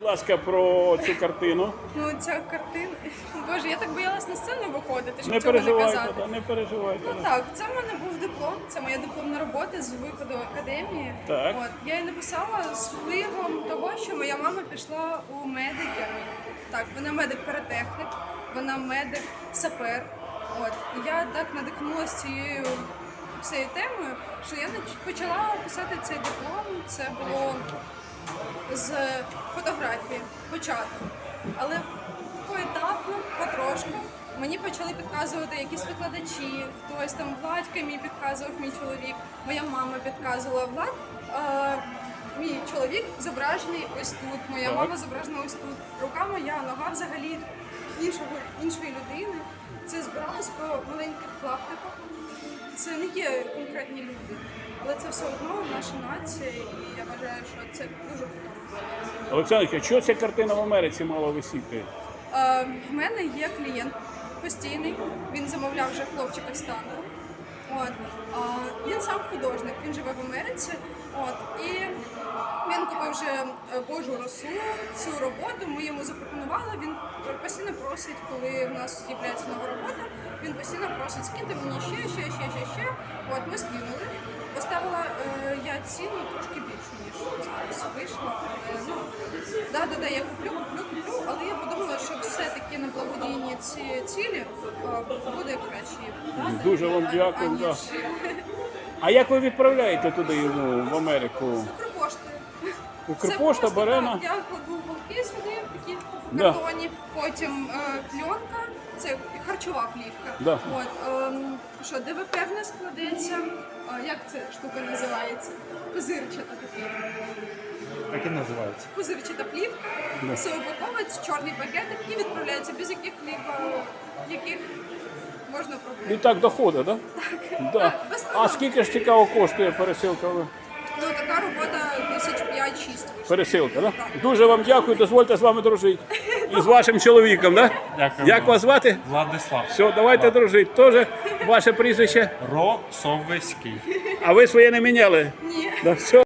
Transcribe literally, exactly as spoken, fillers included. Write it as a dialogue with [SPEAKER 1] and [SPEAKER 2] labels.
[SPEAKER 1] Будь ласка, про цю картину.
[SPEAKER 2] Ну, ця картина. Боже, я так боялась на сцену виходити, щоб
[SPEAKER 1] Не
[SPEAKER 2] цього не
[SPEAKER 1] переживайте,
[SPEAKER 2] казати.
[SPEAKER 1] да, не переживайте.
[SPEAKER 2] Ну так, це в мене був диплом, це моя дипломна робота з виходу академії.
[SPEAKER 1] Так.
[SPEAKER 2] От я її написала з впливом того, що моя мама пішла у медики. Так, вона медик-паратехнік, вона медик-сапер. От і я так надихнулася цією цією темою, що я нач- почала писати цей диплом. Це було з фотографії, початок. Але поетапно, потрошку, мені почали підказувати якісь викладачі, хтось там Владька мій підказував, мій чоловік, моя мама підказувала. Влад, е, мій чоловік зображений ось тут, моя
[SPEAKER 1] Так.
[SPEAKER 2] мама зображена ось тут. Рука моя, нога взагалі іншого, іншої людини. Це збиралось по маленьких клаптиках. Це не є конкретні люди, але це все одно наша нація, і я вважаю, що це дуже круто.
[SPEAKER 1] Олександр, що ця картина в Америці мала висіти?
[SPEAKER 2] Е, в мене є клієнт постійний, він замовляв вже хлопчика з танку. От. А, він сам художник, він живе в Америці. От. І він купив вже е, Божу росу, цю роботу, ми йому запропонували, він постійно просить, коли в нас з'являється нова робота, він постійно просить, скиньте мені ще, ще, ще, ще, ще. От, ми скинули. Поставила е, я ціну трошки більшу, ніж зараз вийшло. Е, ну, да, да, да, я куплю, куплю, куплю, але я подумала, що все-таки на благодійні ці цілі е, буде краще. продати,
[SPEAKER 1] Дуже вам
[SPEAKER 2] а-
[SPEAKER 1] дякую,
[SPEAKER 2] аніж
[SPEAKER 1] да. А як ви відправляєте туди йому, в Америку?
[SPEAKER 2] Укрпоштою.
[SPEAKER 1] Укрпошта
[SPEAKER 2] Це
[SPEAKER 1] бере
[SPEAKER 2] просто,
[SPEAKER 1] на...
[SPEAKER 2] так, я кладу голки сюди, такі в
[SPEAKER 1] Да.
[SPEAKER 2] картоні, потім е, пленка, це харчова плівка.
[SPEAKER 1] Да.
[SPEAKER 2] От, ем, що ДВП в нас складеться, е, як ця штука називається? Пузирчата така.
[SPEAKER 3] Як і називається?
[SPEAKER 2] Пузирчата плівка,
[SPEAKER 1] Да.
[SPEAKER 2] все упаковується, чорний пакетик і відправляється без яких-либо, яких можна
[SPEAKER 1] І
[SPEAKER 2] проблем.
[SPEAKER 1] так доходить, так? Да? Да.
[SPEAKER 2] Так, без проблем.
[SPEAKER 1] А скільки ж цікаво коштує пересилка?
[SPEAKER 2] Ну, така робота тисяч п'ять-шість вийшла.
[SPEAKER 1] Пересилка, так? Да? Дуже вам дякую, дозвольте з вами дружити. І з вашим чоловіком, так? Да?
[SPEAKER 3] Дякую
[SPEAKER 1] Як
[SPEAKER 3] вам.
[SPEAKER 1] вас звати?
[SPEAKER 3] Владислав.
[SPEAKER 1] Все, давайте дружити. Тоже ваше прізвище.
[SPEAKER 3] Росовський.
[SPEAKER 1] А ви своє не міняли?
[SPEAKER 2] Ні.
[SPEAKER 1] Да, все.